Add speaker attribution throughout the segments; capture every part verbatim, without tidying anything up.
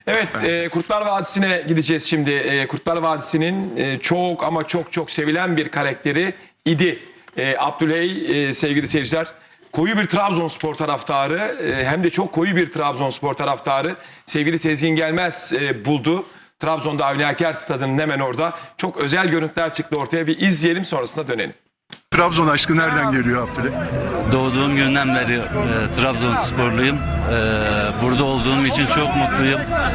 Speaker 1: Evet, e, Kurtlar Vadisi'ne gideceğiz şimdi. E, Kurtlar Vadisi'nin e, çok ama çok çok sevilen bir karakteri idi. E, Abdüley e, sevgili seyirciler, koyu bir Trabzonspor taraftarı, e, hem de çok koyu bir Trabzonspor taraftarı. Sevgili Sezgin Gelmez e, buldu. Trabzon'da Avni Aker Stadı'nın hemen orada. Çok özel görüntüler çıktı ortaya. Bir izleyelim, sonrasında dönelim.
Speaker 2: Trabzon aşkı nereden geliyor Abdüley?
Speaker 3: Doğduğum günden beri e, Trabzonsporluyum. E, burada olduğum için çok mutluyum.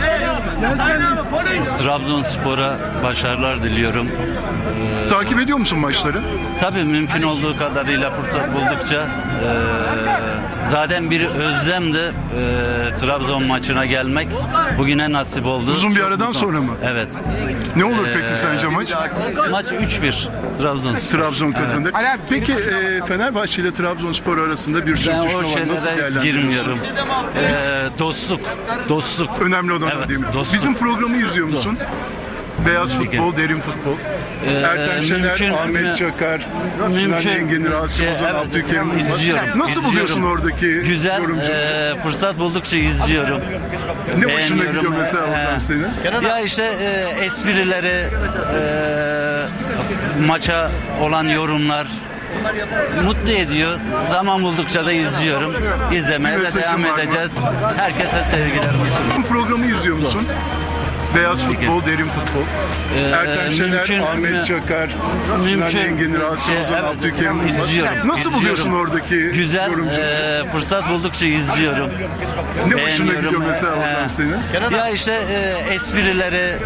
Speaker 3: Trabzonspor'a başarılar diliyorum. E,
Speaker 2: Takip ediyor musun maçları?
Speaker 3: tabii mümkün olduğu kadarıyla fırsat buldukça e, zaten bir özlemdi e, Trabzon maçına gelmek. Bugüne nasip oldu.
Speaker 2: Uzun bir
Speaker 3: Çok
Speaker 2: aradan
Speaker 3: mutluyum.
Speaker 2: sonra mı?
Speaker 3: Evet.
Speaker 2: Ne olur peki
Speaker 3: Ee,
Speaker 2: sence maç?
Speaker 3: Maç üç bir Trabzonspor.
Speaker 2: Trabzon kazanır. Peki e, Fenerbahçe ile Trabzonspor arasında bir
Speaker 3: Ben
Speaker 2: sürtüşme
Speaker 3: o
Speaker 2: var. Nasıl
Speaker 3: şeylere
Speaker 2: değerlendiriyorsun?
Speaker 3: girmiyorum. Ee, dostluk, dostluk.
Speaker 2: Önemli olan
Speaker 3: Evet,
Speaker 2: o değil mi?
Speaker 3: dostluk.
Speaker 2: Bizim programı izliyor musun? Beyaz
Speaker 3: Peki.
Speaker 2: futbol, derin futbol.
Speaker 3: Ee,
Speaker 2: Ertem Şener,
Speaker 3: mümkün-
Speaker 2: Ahmet
Speaker 3: mü-
Speaker 2: Çakar, Sinan
Speaker 3: mümkün-
Speaker 2: Engin, Rasim
Speaker 3: şey,
Speaker 2: Ozan,
Speaker 3: evet,
Speaker 2: Abdülkerim Yılmaz.
Speaker 3: izliyorum,
Speaker 2: Nasıl
Speaker 3: izliyorum.
Speaker 2: buluyorsun oradaki
Speaker 3: Güzel,
Speaker 2: yorumcu?
Speaker 3: e, fırsat buldukça izliyorum.
Speaker 2: ne hoşuna
Speaker 3: Beğeniyorum.
Speaker 2: gidiyor mesela
Speaker 3: Ee,
Speaker 2: oradan senin?
Speaker 3: Ya işte e, esprileri, e, maça olan yorumlar mutlu ediyor. Zaman buldukça da izliyorum. İzlemeye de
Speaker 2: Mesajın
Speaker 3: devam
Speaker 2: var mı?
Speaker 3: edeceğiz. Herkese sevgilerimi sunuyorum.
Speaker 2: Bizim programı izliyor musun? Beyaz futbol, derin futbol.
Speaker 3: Ee,
Speaker 2: Ertem Şener,
Speaker 3: mümkün-
Speaker 2: Ahmet
Speaker 3: mü-
Speaker 2: Çakar, Sinan
Speaker 3: mümkün-
Speaker 2: Engin, Rasim
Speaker 3: şey,
Speaker 2: Ozan,
Speaker 3: evet,
Speaker 2: Abdülkerim Yılmaz.
Speaker 3: izliyorum,
Speaker 2: Nasıl
Speaker 3: izliyorum.
Speaker 2: buluyorsun oradaki
Speaker 3: Güzel,
Speaker 2: yorumcu?
Speaker 3: e, fırsat buldukça izliyorum.
Speaker 2: ne hoşuna
Speaker 3: beğeniyorum.
Speaker 2: gidiyor mesela
Speaker 3: Ee,
Speaker 2: oradan senin?
Speaker 3: Ya işte e, esprileri,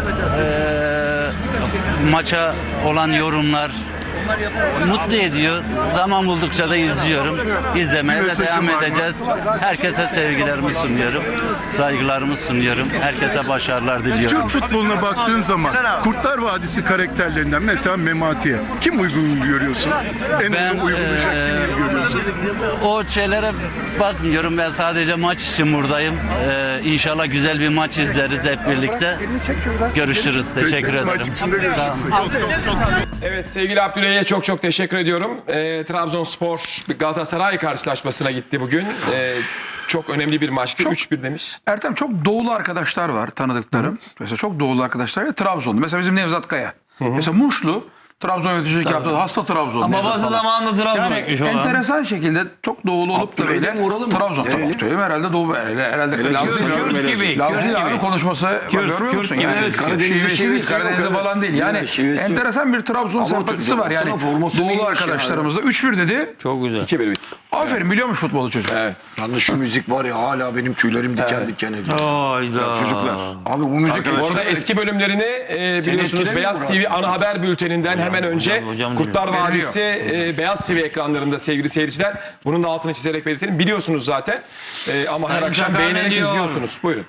Speaker 3: e, maça olan yorumlar mutlu ediyor. Zaman buldukça da izliyorum. İzlemeye de
Speaker 2: Mesajın
Speaker 3: devam
Speaker 2: var mı?
Speaker 3: edeceğiz. Herkese sevgilerimi sunuyorum. Saygılarımı sunuyorum. Herkese başarılar diliyorum.
Speaker 2: Türk futboluna baktığın zaman Kurtlar Vadisi karakterlerinden mesela Memati'ye kim uygun görüyorsun? En
Speaker 3: Ben,
Speaker 2: uygun uygulayacak
Speaker 3: eee,
Speaker 2: kimi görüyorsun?
Speaker 3: O şeylere bakmıyorum. Ben sadece maç için buradayım. Ee, İnşallah güzel bir maç izleriz hep birlikte. Görüşürüz. Teşekkür
Speaker 2: Peki,
Speaker 3: ederim.
Speaker 2: maç içinde
Speaker 3: Sağ olun.
Speaker 2: görüşürüz.
Speaker 1: Evet, sevgili Abdüley'e çok çok teşekkür ediyorum. Ee, Trabzonspor Galatasaray karşılaşmasına gitti bugün. Ee, çok önemli bir maçtı. üç bir demiş.
Speaker 4: Ertem, çok doğulu arkadaşlar var tanıdıklarım. Mesela çok doğulu arkadaşlar ve Trabzonlu. Mesela bizim Nevzat Kaya. Mesela Muşlu. Trabzon yöneticilik yaptı. Hasta Trabzon.
Speaker 5: Babası zamanında Trabzon'a gitmiş olan.
Speaker 4: Enteresan şekilde çok doğulu olup da böyle Trabzon. Tamam, Abdüley'im herhalde doğu. Herhalde, herhalde Laz değil.
Speaker 5: Kürt gibi,
Speaker 4: Laz
Speaker 5: Kürt
Speaker 4: değil abi,
Speaker 5: gibi.
Speaker 4: konuşması. Bak, görmüyor
Speaker 5: Kürt
Speaker 4: musun?
Speaker 5: gibi,
Speaker 4: Yani
Speaker 5: evet.
Speaker 4: Karadeniz'de şivesi değil, Karadeniz'de falan değil. Yani enteresan bir Trabzon sempatisi var yani. Doğulu arkadaşlarımızda. üç bir dedi.
Speaker 5: Çok güzel.
Speaker 1: iki bir bitti.
Speaker 4: Aferin, biliyormuş futbolu çocuk.
Speaker 1: Evet.
Speaker 6: Yalnız şu müzik var ya, hala benim tüylerim diken diken ediyor.
Speaker 5: Hayda.
Speaker 6: Çocuklar. Abi bu müzik
Speaker 1: Bu arada eski bölümlerini e, biliyorsunuz
Speaker 6: etkilemiyor
Speaker 1: Beyaz
Speaker 6: mu
Speaker 1: T V
Speaker 6: aslında?
Speaker 1: ana haber bülteninden hemen önce
Speaker 5: hocam, hocam
Speaker 1: Kurtlar
Speaker 5: diyor.
Speaker 1: Vadisi e, Beyaz T V ekranlarında sevgili seyirciler. Bunun da altını çizerek belirtelim. Biliyorsunuz zaten. E, ama her
Speaker 5: Sayın
Speaker 1: akşam
Speaker 5: Çakar
Speaker 1: beğenerek
Speaker 5: ne diyor?
Speaker 1: izliyorsunuz. Buyurun.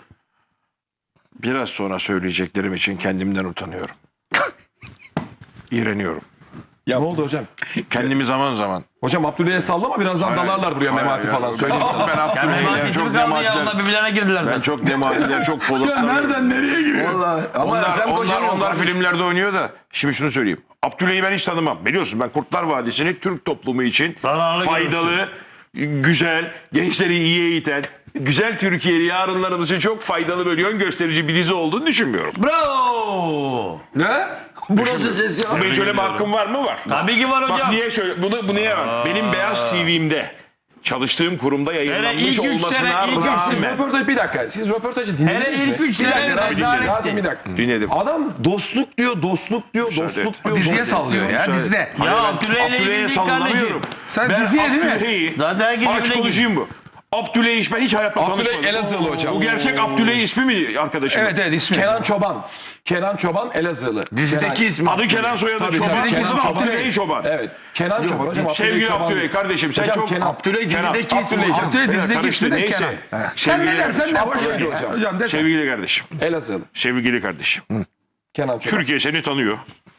Speaker 6: Biraz sonra söyleyeceklerim için kendimden utanıyorum. İğreniyorum.
Speaker 1: Ya ne oldu hocam?
Speaker 6: Kendimi zaman zaman.
Speaker 1: Hocam Abdüley'e sallama, birazdan dalarlar buraya
Speaker 6: Hayır,
Speaker 1: Memati
Speaker 6: hayır.
Speaker 1: falan. Söyleyeyim sana.
Speaker 6: Ben
Speaker 5: Ya
Speaker 6: Abdülhamid'den
Speaker 5: Memati'si
Speaker 6: çok
Speaker 5: mi kaldı ya?
Speaker 6: dematiler.
Speaker 5: Onlar birbirlerine girdiler
Speaker 6: Ben
Speaker 5: zaten.
Speaker 6: çok dematiler, çok polotlar.
Speaker 4: nereye giriyor?
Speaker 6: Onlar, onlar, onlar filmlerde oynuyor da. Şimdi şunu söyleyeyim. Abdülhamid'i ben hiç tanımam. Biliyorsun ben Kurtlar Vadisi'ni Türk toplumu için
Speaker 5: Zararlı
Speaker 6: faydalı, güzel, gençleri iyi eğiten, güzel Türkiye'li yarınlarımız için çok faydalı böyle yön gösterici bir dizi olduğunu düşünmüyorum.
Speaker 5: Bravo.
Speaker 6: Ne?
Speaker 7: Burası ses ya.
Speaker 6: Bu benim söyleme hakkım var mı? Var.
Speaker 5: Tabii ki var
Speaker 6: Bak
Speaker 5: hocam.
Speaker 6: niye şöyle, bunu, bu niye var? Benim Beyaz T V'mde çalıştığım kurumda yayınlanmış
Speaker 5: ilk üç
Speaker 6: olmasına
Speaker 5: sene, ilk üç
Speaker 6: rağmen.
Speaker 1: Siz röportaj bir dakika. Siz röportajı
Speaker 5: Hele
Speaker 1: dinlediniz mi?
Speaker 5: ilk üç
Speaker 1: Bir dakika,
Speaker 5: sene
Speaker 1: Rasim,
Speaker 5: rezalet
Speaker 1: Rasim,
Speaker 5: etti.
Speaker 1: bir dakika.
Speaker 6: Dinledim.
Speaker 1: Adam dostluk diyor, dostluk diyor, dostluk diyor.
Speaker 4: Diziye
Speaker 1: dostluk
Speaker 4: sallıyor
Speaker 1: diyor.
Speaker 4: ya, dizide.
Speaker 5: Ya Abdüley'le
Speaker 6: Abdüley'e
Speaker 5: ilgili
Speaker 6: sallamıyorum.
Speaker 5: kardeşim.
Speaker 4: Sen
Speaker 6: Ben
Speaker 4: diziye değil mi?
Speaker 6: Abdüley'i,
Speaker 5: Zaten herkes
Speaker 6: aç
Speaker 5: birbirine
Speaker 6: konuşayım bu. Abdüley iş ben hiç hayatta
Speaker 1: Abdüley
Speaker 6: tanışmadım.
Speaker 1: Elazığlı hocam.
Speaker 6: Bu gerçek Abdüley ismi mi arkadaşım?
Speaker 4: Evet evet, ismi.
Speaker 1: Kenan Çoban. Kenan Çoban Elazığlı.
Speaker 7: Dizideki
Speaker 1: Kenan-
Speaker 7: ismi.
Speaker 6: Adı Kenan soyadı
Speaker 1: Tabii,
Speaker 6: Çoban.
Speaker 1: dizideki
Speaker 6: Kenan
Speaker 1: ismi
Speaker 6: Abdüley
Speaker 1: Abdüley.
Speaker 6: Çoban.
Speaker 1: Evet. Kenan Çoban hocam. Abdüley
Speaker 6: Sevgili
Speaker 1: Çoban
Speaker 6: Abdüley
Speaker 1: değil.
Speaker 6: kardeşim sen
Speaker 1: Hocam
Speaker 6: çok...
Speaker 1: Kenan.
Speaker 7: Abdüley dizideki
Speaker 1: Kenan.
Speaker 7: ismi
Speaker 1: Abdüley
Speaker 7: hocam.
Speaker 4: Abdüley
Speaker 6: Evet,
Speaker 4: dizideki
Speaker 6: karıştı,
Speaker 4: ismi de
Speaker 6: neyse.
Speaker 4: Kenan. Sen
Speaker 6: Sevgili
Speaker 4: ne dersen de
Speaker 6: kardeşim.
Speaker 4: boş ver.
Speaker 1: Abdüley hocam.
Speaker 4: Hocam desen.
Speaker 6: Sevgili kardeşim.
Speaker 1: Elazığlı.
Speaker 6: Sevgili kardeşim.
Speaker 1: Kenan Çoban.
Speaker 6: Türkiye seni tanıyor.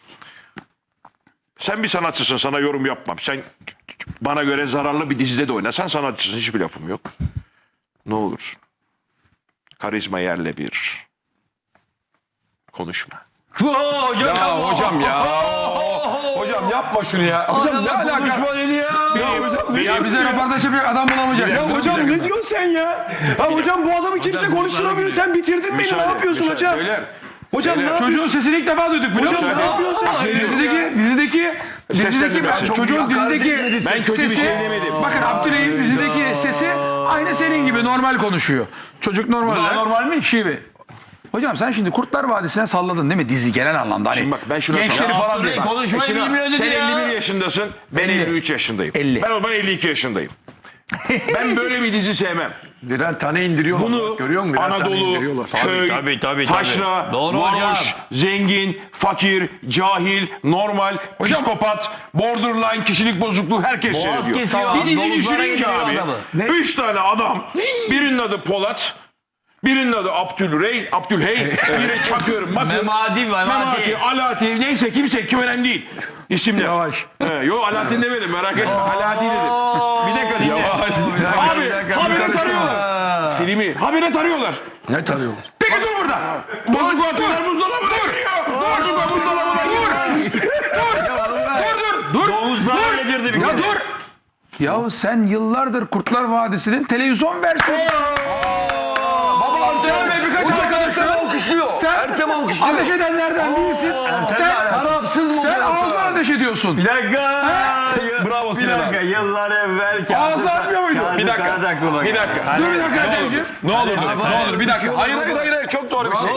Speaker 6: Sen bir sanatçısın, sana yorum yapmam. Sen bana göre zararlı bir dizide de oynasan sanatçısın, hiçbir lafım yok. Ne olursun. Karizma yerle bir. Konuşma.
Speaker 5: Hocam
Speaker 1: Ya hocam ya. Hocam yapma şunu ya. Hocam ne alaka?
Speaker 5: Konuşma dedi ya.
Speaker 1: Hocam ne
Speaker 4: Ya
Speaker 1: diyorsun
Speaker 4: bize
Speaker 1: ya?
Speaker 4: röportaj yapacak adam bulamayacağız.
Speaker 1: Ya hocam ne diyorsun sen ya? Ha hocam bu adamı kimse konuşturamıyor. Sen bitirdin beni. Ne
Speaker 6: Müsaade,
Speaker 1: yapıyorsun
Speaker 6: müsaade.
Speaker 1: hocam?
Speaker 6: Beyler,
Speaker 1: Hocam ne yapıyorsun?
Speaker 4: Çocuğun sesini ilk defa duyduk biliyor musun?
Speaker 1: Hocam ne yapıyorsun?
Speaker 4: Dizideki, dizideki, dizideki,
Speaker 6: Seslendirmesi. Çok
Speaker 4: çocuğun dizideki
Speaker 6: Ben kötü bir
Speaker 4: sesi,
Speaker 6: şey demedim.
Speaker 4: bakın Abdüley'in dizideki sesi aynı senin gibi normal konuşuyor. Çocuk normal.
Speaker 5: daha
Speaker 4: lan.
Speaker 5: normal mi?
Speaker 4: Şive. Hocam sen şimdi Kurtlar Vadisi'ne salladın değil mi? Dizi genel anlamda. Hani
Speaker 6: Şimdi bak ben şuna
Speaker 4: gençleri
Speaker 6: sallam-
Speaker 4: falan diye.
Speaker 5: Abdüley
Speaker 4: Bak.
Speaker 5: konuşmayı
Speaker 6: Sinan,
Speaker 5: bilmiyor dedi
Speaker 6: sen
Speaker 5: ya.
Speaker 6: elli bir yaşındasın, ben elli üç yaşındayım.
Speaker 4: elli.
Speaker 6: Ben o zaman elli iki yaşındayım. Ben böyle bir dizi sevmem.
Speaker 2: Birer tane indiriyorlar.
Speaker 6: Bunu
Speaker 2: Görüyor musun? Birer tane
Speaker 6: Anadolu,
Speaker 2: indiriyorlar.
Speaker 6: köy,
Speaker 5: tabii, tabii,
Speaker 6: taşra,
Speaker 5: tabii. Doğru hocam.
Speaker 6: varoş, zengin, fakir, cahil, normal, psikopat, borderline, kişilik bozukluğu herkes
Speaker 5: Boğaz
Speaker 6: seyrediyor.
Speaker 5: kesiyor,
Speaker 6: Bir dizi
Speaker 5: domuzlara
Speaker 6: düşününce
Speaker 5: indiriyor
Speaker 6: abi,
Speaker 5: adamı.
Speaker 6: üç tane adam, birinin adı Polat, birinin adı Abdülrey, Abdülhey, biri Çakır, Bakır,
Speaker 5: Memati, Memati.
Speaker 6: Memati, Alaaddin, neyse kimse kim önemli değil. İsimler.
Speaker 4: Yavaş.
Speaker 6: He, yok Alaaddin demedim merak etme. Alaaddin dedim. Bir dakika dinle. Abi habire tarıyorlar. Filmi habire tarıyorlar.
Speaker 2: Ne tarıyorlar?
Speaker 4: Peki dur burada.
Speaker 6: Bozuk atıyorlar buzdolabına giriyor. Bozuk buzdolabına giriyor.
Speaker 4: Dur.
Speaker 5: Domuzlar yedirdi bir
Speaker 4: Ya
Speaker 5: kere.
Speaker 4: dur. Ya sen yıllardır Kurtlar Vadisi'nin televizyon versiyonu. Baba Ertem Bey birkaç arkadaşlar alkışlıyor. Sen Ertem alkışlıyor. Ateş edenlerden değilsin. Sen tarafsız mı? Sen ağzına ateş ediyorsun.
Speaker 5: Bir dakika.
Speaker 1: Bravo
Speaker 5: Bir
Speaker 1: Sinan
Speaker 5: dakika.
Speaker 1: abi.
Speaker 5: Yıllar evvel Kazım.
Speaker 4: Ağzına atmıyor muydu?
Speaker 1: Bir dakika. Bir dakika.
Speaker 4: Dur bir dakika Ertem'ciğim.
Speaker 1: Ne olur dur. Ne olur bir dakika. Hayır hayır hayır hayır. Çok doğru bir şey.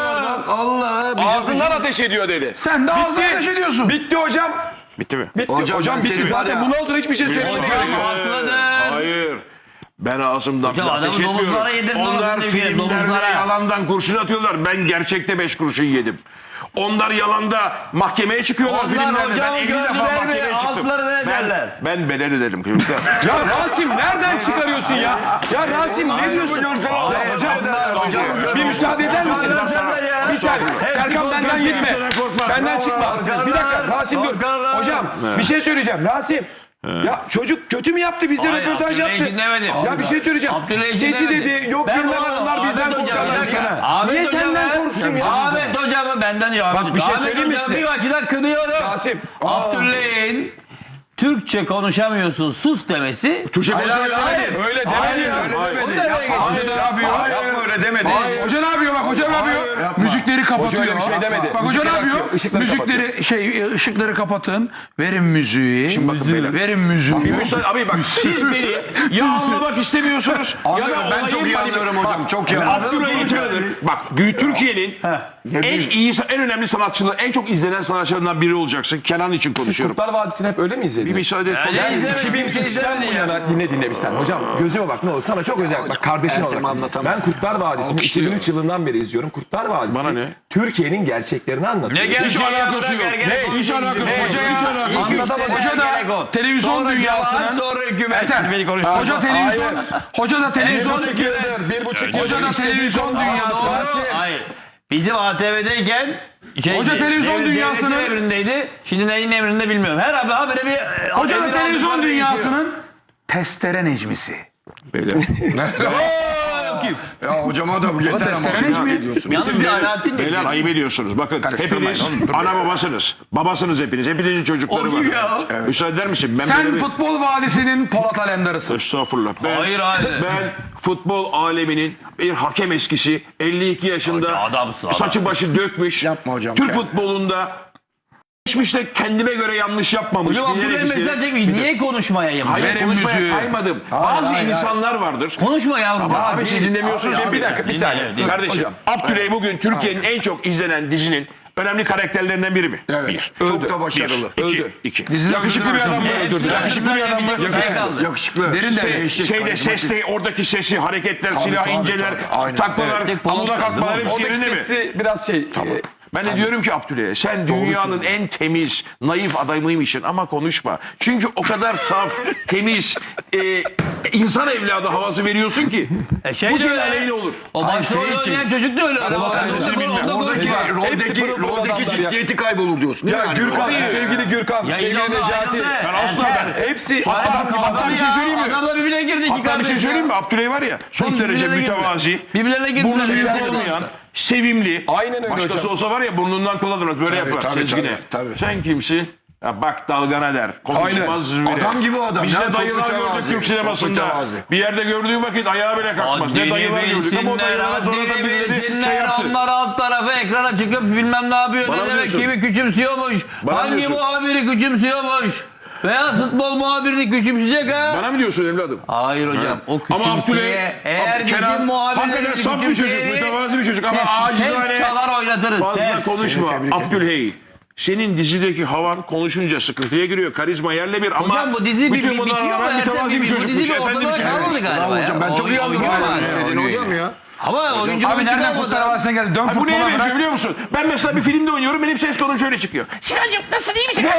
Speaker 1: Ağzından ateş ediyor dedi.
Speaker 4: Sen de ağzına ateş ediyorsun.
Speaker 1: Bitti hocam.
Speaker 6: Bitti mi?
Speaker 1: Bitti. Hocam,
Speaker 2: ben
Speaker 1: bitti
Speaker 2: seni
Speaker 1: zaten.
Speaker 2: var ya-
Speaker 1: Bundan sonra hiçbir şey söylemeye gerek yok.
Speaker 5: Haklıdır.
Speaker 6: Hayır. Ben ağzımdan
Speaker 5: Hocam
Speaker 6: ateş
Speaker 5: adamı
Speaker 6: etmiyorum.
Speaker 5: domuzlara yedirdin
Speaker 6: Onlar
Speaker 5: ağzını bir kere,
Speaker 6: filmlerde
Speaker 5: domuzlara.
Speaker 6: yalandan kurşun atıyorlar. Ben gerçekte beş kurşun yedim. Onlar yalanda mahkemeye çıkıyorlar
Speaker 5: Onlar
Speaker 6: filmlerde. Ben
Speaker 5: hocam
Speaker 6: elli defa
Speaker 5: gördüler mi?
Speaker 6: mahkemeye çıktım.
Speaker 5: Altlarını
Speaker 6: Ben,
Speaker 5: ederler.
Speaker 6: ben bedel ödedim çocuklar.
Speaker 1: Ya Rasim nereden çıkarıyorsun ya? Ya Rasim ne diyorsun? Hocam bir müsaade eder misin? Bir saniye. Serkan benden gitme. Benden çıkma. Bir dakika Rasim dur. Hocam bir şey söyleyeceğim. Rasim. Ya çocuk kötü mü yaptı bize
Speaker 5: Hayır,
Speaker 1: röportaj
Speaker 5: Abdüley'i
Speaker 1: yaptı.
Speaker 5: dinlemedim.
Speaker 1: Ya bir şey söyleyeceğim.
Speaker 5: Abdüley'i
Speaker 1: Sesi
Speaker 5: dinlemedim.
Speaker 1: dedi yok
Speaker 5: Ben
Speaker 1: bilmem
Speaker 5: bu-
Speaker 1: onlar bizden
Speaker 5: Ahmet Hocam,
Speaker 1: korkarlar
Speaker 5: bir dakika.
Speaker 1: sana.
Speaker 5: Ahmet
Speaker 1: Niye
Speaker 5: Hocam
Speaker 1: senden
Speaker 5: ben-
Speaker 1: korksun ya?
Speaker 5: Ahmet hocamı benden ya.
Speaker 1: Bak, bir şey
Speaker 5: Ahmet
Speaker 1: söyleyeyim mi
Speaker 5: hocamı
Speaker 1: size?
Speaker 5: bir açıdan kınıyorum.
Speaker 1: Rasim.
Speaker 5: Abdüley'in Türkçe konuşamıyorsun sus demesi.
Speaker 6: Türkçe konuşuyor
Speaker 5: Hayır.
Speaker 1: Öyle demedi ya.
Speaker 5: Onu demeye
Speaker 4: Hoca
Speaker 5: getiriyor.
Speaker 4: ne yapıyor?
Speaker 1: Yapma öyle demedi.
Speaker 4: Hoca ne yapıyor bak hoca ne yapıyor? Müzikleri kapatıyor.
Speaker 1: öyle bir şey demedi.
Speaker 4: Bak hoca ne
Speaker 1: Müzikleri
Speaker 4: yapıyor?
Speaker 1: açıyor, ışıkları
Speaker 4: Müzikleri şey ışıkları kapatın. Verin müziği.
Speaker 6: bakın beyler.
Speaker 4: Verin müziği.
Speaker 6: Bir müsaade abi bak siz beni ya anlamak istemiyorsunuz ya da
Speaker 2: Anlıyorum, ben
Speaker 6: olayın
Speaker 2: çok iyi
Speaker 6: manipü-
Speaker 2: anlıyorum hocam,
Speaker 6: Bak,
Speaker 2: çok iyi
Speaker 6: ben
Speaker 2: anlıyorum.
Speaker 6: Abdülhamid Tanıdır. Bak büyük Türkiye'nin en iyi en önemli sanatçıları, en çok izlenen sanatçılarından biri olacaksın. Kenan için
Speaker 1: Siz
Speaker 6: konuşuyorum.
Speaker 1: Kurtlar Vadisi'ni hep öyle mi
Speaker 6: Bir
Speaker 1: izlediniz?
Speaker 6: müsaade et.
Speaker 5: Yani
Speaker 6: Ben-
Speaker 5: izlemedim,
Speaker 1: iki bin
Speaker 5: kimse
Speaker 1: üçten bu
Speaker 5: izlemedi ya.
Speaker 1: yana dinle dinle bir sen. Hocam gözüme bak ne olur sana çok özel. Bak kardeşin
Speaker 2: Ertem
Speaker 1: olarak. Ben
Speaker 2: anlatamaz.
Speaker 1: Kurtlar Vadisi'ni iki bin üç yılından beri izliyorum. Kurtlar Vadisi
Speaker 6: Bana ne?
Speaker 1: Türkiye'nin gerçeklerini anlatıyor.
Speaker 5: Ne gerek
Speaker 6: Hiç alakası yok.
Speaker 5: Ne?
Speaker 6: Hiç alakası yok.
Speaker 5: Hoca
Speaker 6: Hiç alakası yok.
Speaker 4: Anlatamadım. Hoca da televizyon dünyasının
Speaker 5: sonra hükümet
Speaker 4: Ertem,
Speaker 5: beni konuşturdu.
Speaker 4: hoca televizyon hoca da
Speaker 1: Bir
Speaker 4: televizyon
Speaker 1: buçuk yıldır, bir buçuk yıldır.
Speaker 4: Hoca da
Speaker 1: işlediği
Speaker 4: televizyon
Speaker 1: konu-
Speaker 4: dünyası.
Speaker 1: Aa, Rasim.
Speaker 5: Hayır. Bizim A T V'deyken şey,
Speaker 4: Hoca televizyon
Speaker 5: devlet-
Speaker 4: dünyasının-
Speaker 5: devletin emrindeydi. Şimdi neyin emrinde bilmiyorum. Her abi habire bir
Speaker 4: Hoca da
Speaker 5: emir
Speaker 4: televizyon
Speaker 5: aldıkları
Speaker 4: dünyasının testere necmisi.
Speaker 6: Beyler.
Speaker 2: Ya hocama da bu yeter ama.
Speaker 4: testere
Speaker 2: Ya,
Speaker 4: mi?
Speaker 2: ne diyorsun?
Speaker 5: Yalnız bir Alaaddin
Speaker 6: Beyler
Speaker 5: dedi.
Speaker 6: ayıp ediyorsunuz. Bakın hepiniz ana babasınız. Babasınız hepiniz. Hepinizin çocukları
Speaker 5: O
Speaker 6: var.
Speaker 5: kim ya?
Speaker 6: Müsaade eder misin? Ben
Speaker 4: Sen
Speaker 6: böyle bir-
Speaker 4: Futbol Vadisi'nin Polat Alemdar'ısın.
Speaker 6: Estağfurullah. Ben,
Speaker 5: Hayır, hayır.
Speaker 6: Ben futbol aleminin bir hakem eskisi. elli iki yaşında
Speaker 5: Hoca adamsın, adam.
Speaker 6: saçı başı dökmüş.
Speaker 2: Yapma hocam,
Speaker 6: Türk
Speaker 2: kendine.
Speaker 6: futbolunda geçmişte kendime göre yanlış yapmamış.
Speaker 5: Hocam
Speaker 6: diyerek
Speaker 5: Abdülhamid
Speaker 6: işte-
Speaker 5: mesaj çekmiş. Niye konuşmayayım?
Speaker 6: Hayır
Speaker 4: Verin
Speaker 6: konuşmaya
Speaker 4: müziği.
Speaker 6: kaymadım. Bazı insanlar vardır.
Speaker 5: Konuşma yavrum.
Speaker 6: Ama abi siz dinlemiyorsunuz.
Speaker 1: Bir dakika bir
Speaker 5: Dinle,
Speaker 1: saniye.
Speaker 5: dinle.
Speaker 6: Kardeşim Abdüley bugün Türkiye'nin en çok izlenen dizinin önemli karakterlerinden biri mi?
Speaker 2: Evet,
Speaker 6: Bir.
Speaker 2: çok da başarılı.
Speaker 6: Bir.
Speaker 1: Öldü.
Speaker 6: İki. İki.
Speaker 4: Dizide
Speaker 6: Yakışıklı bir adam mı?
Speaker 5: Hepsi
Speaker 6: Öldürdü. Yakışıklı bir adam mı?
Speaker 5: Yakışıklı.
Speaker 2: Yakışıklı.
Speaker 4: Derin de-
Speaker 2: Şey,
Speaker 6: Şeyde
Speaker 2: karizmatik.
Speaker 6: seste oradaki sesi, hareketler, silah
Speaker 2: tabii,
Speaker 6: inceler,
Speaker 2: tabii. Aynen.
Speaker 6: taklalar,
Speaker 5: Evet.
Speaker 6: amuda kalkmalar hepsi
Speaker 1: Oradaki
Speaker 6: yerinde mi?
Speaker 1: sesi biraz şey. e,
Speaker 6: Ben de diyorum ki Abdüley'e sen dünyanın en temiz, naif adamıymışsın ama konuşma. Çünkü o kadar saf, temiz, e, insan evladı havası veriyorsun ki
Speaker 5: E şey
Speaker 6: bu
Speaker 5: de
Speaker 6: senin
Speaker 5: öyle.
Speaker 6: aleyhine olur.
Speaker 5: O başrol
Speaker 1: şey için-
Speaker 5: oynayan çocuk da öyle. öyle.
Speaker 1: Ama ben
Speaker 5: Orada-
Speaker 1: sözünü
Speaker 5: orada-
Speaker 1: bilmem.
Speaker 5: orada-
Speaker 2: Oradaki,
Speaker 5: orada-
Speaker 1: Hepsi
Speaker 2: roldeki,
Speaker 1: pırıl pırıl
Speaker 2: roldeki
Speaker 1: adamlar ya.
Speaker 2: ciddiyeti kaybolur diyorsun.
Speaker 1: Ya
Speaker 2: Yani
Speaker 1: Gürkan,
Speaker 2: roldeki-
Speaker 1: sevgili Gürkan, sevgili
Speaker 5: Yayınlandı,
Speaker 1: Necati.
Speaker 5: ayrıldı.
Speaker 6: Ben asla
Speaker 5: Ertem.
Speaker 6: ben-
Speaker 1: Hepsi
Speaker 6: Hatta, hatta bir şey söyleyeyim mi?
Speaker 5: Adamla birbirine girdi iki
Speaker 6: Hatta bir şey
Speaker 5: kardeş
Speaker 6: söyleyeyim mi?
Speaker 5: ya.
Speaker 6: Abdüley var ya son
Speaker 5: Birbirlerine
Speaker 6: derece
Speaker 5: girdiler.
Speaker 6: mütevazi,
Speaker 5: Birbirlerine girdiler.
Speaker 6: burnu büyük
Speaker 5: Yani.
Speaker 6: olmayan, sevimli.
Speaker 1: Aynen öyle
Speaker 6: Başkası
Speaker 1: hocam.
Speaker 6: olsa var ya burnundan kullanırız böyle yapar
Speaker 2: tabii,
Speaker 6: sezgine.
Speaker 2: tabii, tabii.
Speaker 6: Sen kimsin? Ya bak dalgana der. Konuşmaz bile.
Speaker 2: Adam gibi o adam.
Speaker 6: Biz
Speaker 2: Ya,
Speaker 6: de
Speaker 2: çok
Speaker 6: dayılar gördük
Speaker 2: mütevazi,
Speaker 6: Türk
Speaker 2: çok
Speaker 6: sinemasında.
Speaker 2: mütevazi.
Speaker 6: Bir yerde gördüğü vakit ayağa bile kalkmaz. Ne
Speaker 5: Haddini
Speaker 6: dayılar gördük ama o
Speaker 5: bilsinler,
Speaker 6: dayılara sonra da
Speaker 5: haddini
Speaker 6: birileri şey
Speaker 5: bilsinler.
Speaker 6: yaptı.
Speaker 5: Onlar alt tarafa ekrana çıkıp bilmem ne yapıyor.
Speaker 6: Bana
Speaker 5: Ne
Speaker 6: mı
Speaker 5: demek
Speaker 6: diyorsun?
Speaker 5: kimi küçümsüyormuş.
Speaker 6: Bana mı
Speaker 5: Hangi
Speaker 6: diyorsun?
Speaker 5: muhabiri küçümsüyormuş. Beyaz futbol muhabirini küçümseyecek ha.
Speaker 6: Bana mı diyorsun evladım?
Speaker 5: Hayır hocam o
Speaker 6: Ama
Speaker 5: küçümseye
Speaker 6: Abdüley,
Speaker 5: eğer
Speaker 6: Ab-
Speaker 5: bizim
Speaker 6: Kenan,
Speaker 5: muhabirlerimizi
Speaker 6: hakikaten saf bir çocuk, mütevazi bir çocuk ama acizane
Speaker 5: Tep çalar oynatırız.
Speaker 6: fazla
Speaker 5: tep.
Speaker 6: konuşma.
Speaker 2: Seni tebrik ederim.
Speaker 6: Abdülhey. Senin dizideki havan konuşunca sıkıntıya giriyor. Karizma yerle bir ama
Speaker 5: Hocam bu dizi bir,
Speaker 6: bütün
Speaker 5: bir
Speaker 6: bunlara
Speaker 5: bitiyor mu?
Speaker 6: rağmen
Speaker 5: Ertem
Speaker 6: mütevazi
Speaker 5: bir,
Speaker 6: bir
Speaker 5: bu
Speaker 6: çocukmuş.
Speaker 5: dizi bir
Speaker 6: Efendi bir
Speaker 5: ortada
Speaker 6: çocuk.
Speaker 5: kalmadı galiba.
Speaker 2: Bravo hocam, ben
Speaker 5: ya.
Speaker 2: çok iyi
Speaker 5: Oy-
Speaker 2: anlıyorum
Speaker 5: oynuyor
Speaker 2: demek
Speaker 5: yani.
Speaker 2: istediğini hocam ya.
Speaker 5: Ama oyuncu
Speaker 4: Abi
Speaker 5: bu
Speaker 4: nereden
Speaker 5: nereden
Speaker 4: Kurtlar Vadisi'ne geldi? Dön
Speaker 6: Ha, bu neye
Speaker 4: futbola
Speaker 6: benziyor
Speaker 4: bırak.
Speaker 6: biliyor musun? Ben mesela bir filmde oynuyorum, benim ses tonum şöyle çıkıyor. Sinancım nasıl, iyi misin?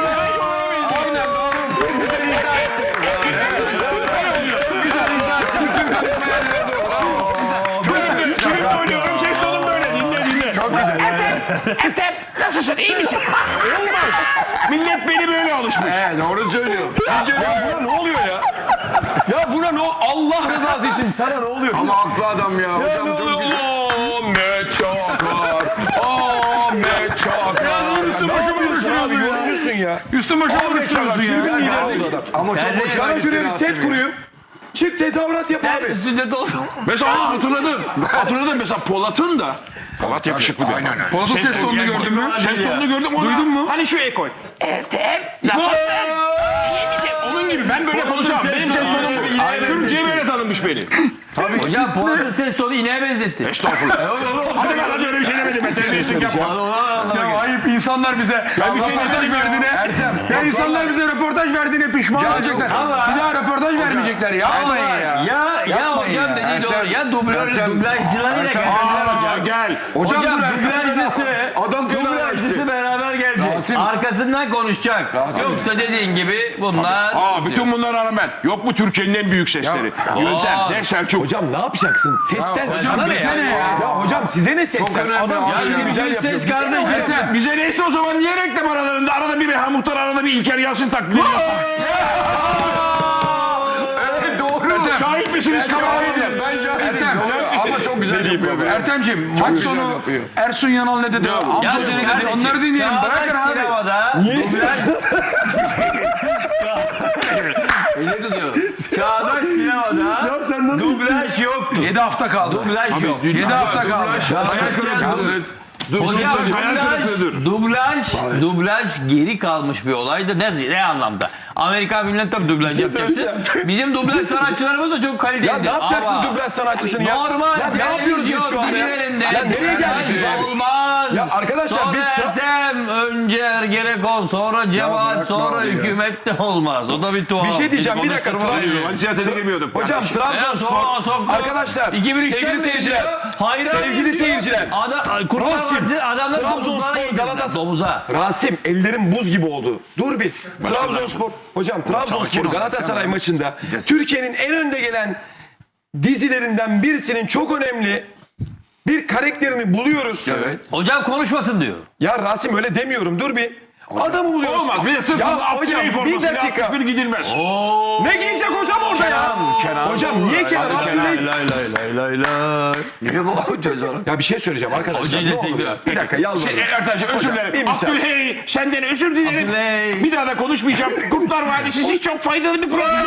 Speaker 6: Filmde oynuyorum, ses tonum böyle. Dinle dinle.
Speaker 2: Çok güzel.
Speaker 6: Ertem nasılsın, iyi misin? Olmaz. Millet beni böyle alışmış.
Speaker 2: He, doğru söylüyor.
Speaker 1: Buna ne oluyor ya? Ya buna ne Allah rızası için sana ne oluyor?
Speaker 2: Ama haklı adam ya.
Speaker 1: Ya
Speaker 2: Hocam
Speaker 1: ne
Speaker 2: çok
Speaker 1: oluyor?
Speaker 2: güzel.
Speaker 1: Ahmet Çakar. Ahmet Çakar.
Speaker 4: Üstü
Speaker 1: Ne
Speaker 4: başımı
Speaker 1: yapıyorsun abi?
Speaker 4: vuruşturuyorsun ya.
Speaker 1: Yorumcusun ya.
Speaker 4: Üstün başa
Speaker 1: Ahmet Çakar.
Speaker 4: vuruşturuyorsun
Speaker 1: Tribün
Speaker 4: ya.
Speaker 1: lideri adam.
Speaker 2: Ama çok
Speaker 5: Sen de-
Speaker 2: hoşuna
Speaker 1: Sana
Speaker 2: gitti
Speaker 1: şöyle bir set
Speaker 2: Rasim ya.
Speaker 1: kurayım. Çık tezahürat yap
Speaker 5: Sen
Speaker 1: abi.
Speaker 5: üstünde dolu.
Speaker 6: Mesela aa, hatırladım. Hatırladım mesela Polat'ın da. Polat yakışıklı bir adam.
Speaker 2: Aynen öyle.
Speaker 4: Polat'ın ses tonunu gördün mü?
Speaker 6: Ses tonunu gördüm. Ona,
Speaker 4: Duydun mu?
Speaker 6: Hani şu ekol. Ertem nasılsın? İyi misin? Onun gibi ben böyle konuşamam. Benim ses tonum bu. Türkiye böyle tanınmış beni.
Speaker 5: Hocam Polat'ın ses tonu ineğe benzetti.
Speaker 6: Estağfurullah. Hadi ben hadi öyle bir şey demedim. Ben terbiyesizlik yapma.
Speaker 4: Ya ayıp insanlar bize
Speaker 6: Ben bir şey
Speaker 4: röportaj
Speaker 6: demedim ya.
Speaker 4: verdiğine. Ya insanlar bize röportaj verdiğine pişman olacaklar. Bir daha röportaj vermeyecekler. Yapmayın ya.
Speaker 5: Ya ya
Speaker 4: Yapmayın
Speaker 5: hocam
Speaker 4: ya.
Speaker 5: dediği doğru.
Speaker 2: Ertem,
Speaker 5: Ya dublör,
Speaker 2: Ertem,
Speaker 5: dublajcılarıyla
Speaker 2: Ertem,
Speaker 5: gelsinler
Speaker 6: Aa,
Speaker 5: hocam.
Speaker 6: gel.
Speaker 2: Hocam,
Speaker 5: Hocam
Speaker 2: dur Ertem.
Speaker 5: dublajcısı,
Speaker 2: Adam
Speaker 5: dublajcısı beraber gelecek.
Speaker 2: Rasim.
Speaker 5: Arkasından konuşacak.
Speaker 2: Rasim.
Speaker 5: Yoksa dediğin gibi bunlar...
Speaker 6: Aa, bütün bunlara rağmen yok mu Türkiye'nin en büyük sesleri? Yöntem
Speaker 5: Aa.
Speaker 6: ne Selçuk?
Speaker 1: Hocam ne yapacaksın? Sesten sana ne
Speaker 4: bize
Speaker 1: ya?
Speaker 4: ne ya?
Speaker 1: Ya hocam size ne
Speaker 2: Çok
Speaker 1: sesten?
Speaker 2: önemli
Speaker 1: Adam
Speaker 2: abi
Speaker 1: ya
Speaker 2: ya.
Speaker 1: şimdi güzel
Speaker 5: Bütün
Speaker 1: yapıyor.
Speaker 5: ses
Speaker 1: Bize ne
Speaker 5: kardeşim.
Speaker 1: hocam?
Speaker 6: Ertem, bize neyse o zaman niye reklam aralarında arada bir Reha Muhtar, arada bir İlker Yasin taklidi ediyorsun?
Speaker 2: Evet doğru.
Speaker 6: Şahit misiniz kameraydı?
Speaker 2: Ben şahidim.
Speaker 4: Ertem.
Speaker 2: Ama çok güzel yapıyor. be.
Speaker 4: Ertemciğim maç
Speaker 2: güzel
Speaker 4: sonu
Speaker 2: yapıyor.
Speaker 4: Ersun Yanal ne dedi? Hamza
Speaker 5: Yalnız
Speaker 4: Hoca ne dedi?
Speaker 5: kardeşim,
Speaker 4: Onları dinleyelim.
Speaker 5: Çağdaş
Speaker 4: Bırakın abi.
Speaker 5: sinemada...
Speaker 1: Niye
Speaker 5: Öyle tutuyor. Çağdaş sinemada
Speaker 1: Ya sen nasıl
Speaker 5: dublaj yoktu.
Speaker 4: yedi hafta kaldı.
Speaker 5: Dublaj yok.
Speaker 4: yedi hafta kaldı.
Speaker 5: Çağdaş sinemada...
Speaker 2: Yalnız
Speaker 6: Dur,
Speaker 5: Hocam
Speaker 6: dur, hayal
Speaker 5: dublaj,
Speaker 6: kırıklığıdır.
Speaker 5: dublaj, dublaj geri kalmış bir olaydı. Ne, ne anlamda? Amerikan filmlerinde tabii dublaj yapacaksın.
Speaker 1: söyleyeceğim.
Speaker 5: Bizim dublaj sanatçılarımız da çok kaliteli.
Speaker 1: Ya ne yapacaksın
Speaker 5: Ama
Speaker 1: dublaj sanatçısını ya?
Speaker 5: Normal
Speaker 1: Ya ne yapıyoruz biz şu anda ya?
Speaker 5: dizilerinde
Speaker 1: Ya nereye geldik biz
Speaker 5: dublaj
Speaker 1: abi?
Speaker 5: olmaz.
Speaker 1: Ya arkadaşlar
Speaker 5: sonra
Speaker 1: biz tra-
Speaker 5: Ertem, önce Ergenekon, sonra Cemaat,
Speaker 2: bırakma
Speaker 5: sonra
Speaker 2: abi ya.
Speaker 5: hükümet de olmaz. O da bir tuhaf.
Speaker 1: Bir şey diyeceğim bir dakika. Tra-
Speaker 6: Hadi siyasete girmiyordum.
Speaker 1: Hocam
Speaker 5: Ya
Speaker 1: Trabzonspor
Speaker 5: sonra soktu.
Speaker 1: arkadaşlar
Speaker 5: iki bin üçten
Speaker 1: sevgili
Speaker 5: beri
Speaker 1: seyirciler
Speaker 5: diyor, hayran
Speaker 1: sevgili
Speaker 5: diyor.
Speaker 1: seyirciler
Speaker 5: Adam, Kurtlar
Speaker 1: Rasim,
Speaker 5: Vadisi adamlar
Speaker 1: Trabzonspor,
Speaker 5: domuzlara yediler,
Speaker 1: Galatasaray-
Speaker 5: domuza.
Speaker 1: Rasim ellerim buz gibi oldu. Dur bir. Trabzonspor hocam Trabzonspor
Speaker 2: sakin ol.
Speaker 1: Galatasaray
Speaker 2: Tamam.
Speaker 1: maçında
Speaker 2: Gideceğiz.
Speaker 1: Türkiye'nin en önde gelen dizilerinden birisinin çok önemli bir karakterini buluyoruz.
Speaker 2: evet.
Speaker 5: Hocam konuşmasın diyor.
Speaker 1: Ya Rasim öyle demiyorum. Dur bir. Adamı buluyoruz.
Speaker 6: Olmaz. Bir de sırf
Speaker 1: Ya
Speaker 6: ya,
Speaker 1: hocam bir
Speaker 6: formasıyla
Speaker 1: dakika.
Speaker 6: altmış bir gidilmez.
Speaker 1: Ne giyecek hocam orada ya? Hocam niye Kenan Abdülhey?
Speaker 5: lay lay lay lay.
Speaker 2: Niye bu tezahürat?
Speaker 1: Ya bir şey söyleyeceğim arkadaşlar.
Speaker 5: Hocayı
Speaker 1: Ne olur
Speaker 5: destekliyor.
Speaker 1: ya. Bir dakika yalvarırım.
Speaker 6: Şey, Ertemciğim özür
Speaker 1: Hocam, bir
Speaker 6: dilerim.
Speaker 1: müsaade.
Speaker 6: Abdülhey senden özür dilerim.
Speaker 5: Abdülhey.
Speaker 6: Bir daha da konuşmayacağım. Kurtlar Vadisi çok faydalı bir program.